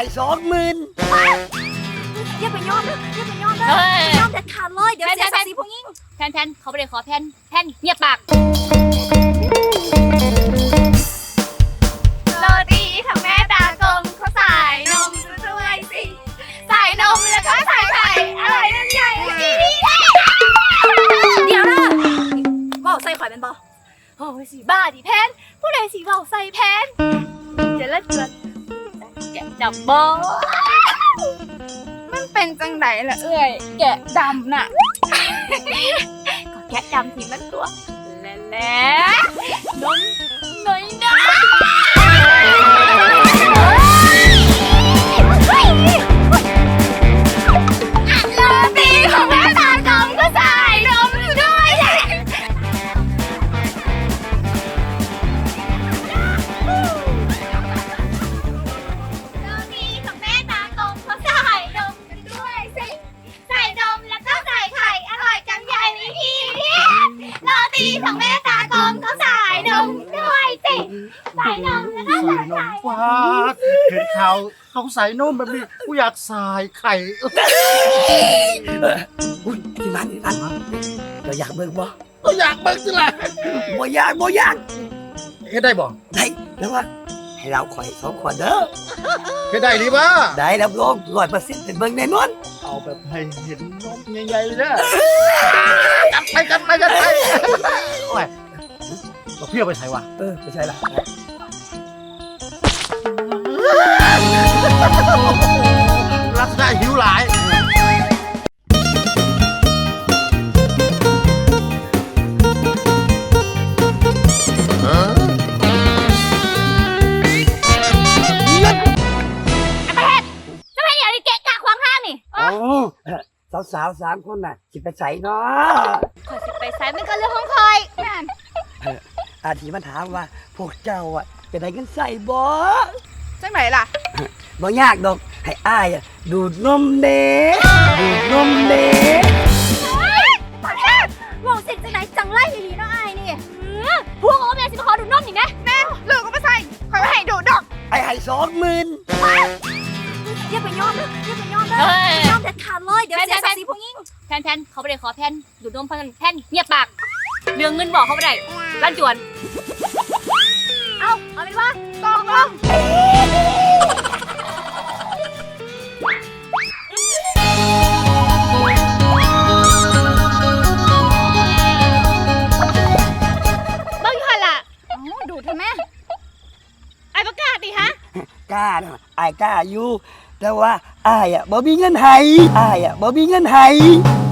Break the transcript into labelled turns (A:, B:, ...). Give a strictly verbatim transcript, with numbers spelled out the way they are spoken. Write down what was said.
A: สองหมื่น
B: อย่าไปยอมนะอย่าไปยอมนะยอมเด็ดขาดเลยเดี๋ยวเสียศักดิ์ศรีผู้หญิง
C: แพนแพนเขาไม่ได้ขอแพนแพนเงียบปากโรตีทั้งแม่ตากลมเขาใส่นมด้วยสิใส่นมแล้วก็ใส่ไข่อร่อยนั่นใหญ่
B: เดี๋ยวนะว่าใส่ข่อยเป็นบ่
C: โอ้ยสีบ้าดิแพนผู้ใดสีเบาใส่แพนจะเลิศจนแกะดำบอ
D: มันเป็นจังไหนล่ะเอ้ยแกะดำน่ะ
C: ก็แกะดำทีมันตัวแล่แล่นมหน่อยนะโรตีของแม่ตากลมก็ใส่นมด้วยโรตีของแม่ตากลมเขาใส่นมด้วยสิใส่นมแล้วก็ใส่ไข่อร่อยจังใหญ่เลยพี่โรตีของแม่ตากลมเขาใส่นมด้วยสิใส่นมแล้วก็ใส่ไข่
E: ว้าเห็นข่าวเขาใส่นมแบบนี้กูอยากใส่ไข่
A: อุ้ยที่นั่นที่นั่นเราอยากเบิ่งบ่
E: ก็อยากเบิ่งสิล่ะ
A: บ่อยากบ่อยาก
E: เฮ็ดได้บ่
A: ได้แล้วว่าให้เราคอยสองคนเด้อ
E: เฮ็ดได้ดีบ่
A: ได้รับรองร้อยเปอร์เซ็นต์เป็นเบิ่งแน่นอน
E: เอาแบบให้เห็นนมใหญ่ๆเลยนะจัดไปจัดไปจัดไปโอ้ยเราเพี้ยวไปใส่วะ
A: เออไม่ใช่ล่ะ
E: ลักษณะหิวหลาย
A: สาวสาวสามคนน่ะสิไปใส่เนาะ
C: ขอสิไปใส่มันก็เรื่องของคอยนั่น
A: อาทีมันถามว่าพวกเจ้าอ่ะจะได้กันใส่บ่
D: จังไหนล่ะ
A: บ่ยากดอกให้อ้ายอ่ะดูดนมเด้ดูดนมเด้
C: วงสิจังไหนจังไรอีหลีเนาะอ้ายนี่พวกโอ้แม่สิมาขอดูนมอีกนะ
D: แน่ลูกก็มาใส่คอยไม่ให้ดูดอก
A: ไอ้ให้สองหมื่น
B: อย่าไปยอมนะอย่าไปยอมนะยอมเด็ดขาดเลยเดี๋ยวเสียศักดิ์ศรีผู้หญิง
C: แพนแพนเขาไม่ได้ขอแพนดูดนมแพนแพนเงียบปากเรื่องเงินบอกเขาไม่ได้ลั่นจวนเอาเอาเป็นว่ากองลงบ้างยี่ห้อละ
D: ดูดทำไม
C: ไอ้ประกาศดิฮะ
A: กล้านะไอ้กล้าอยู่แต่ว่าอ้ายอ่ะบ่มีเงินให้อ้ายอ่ะบ่มีเงินให้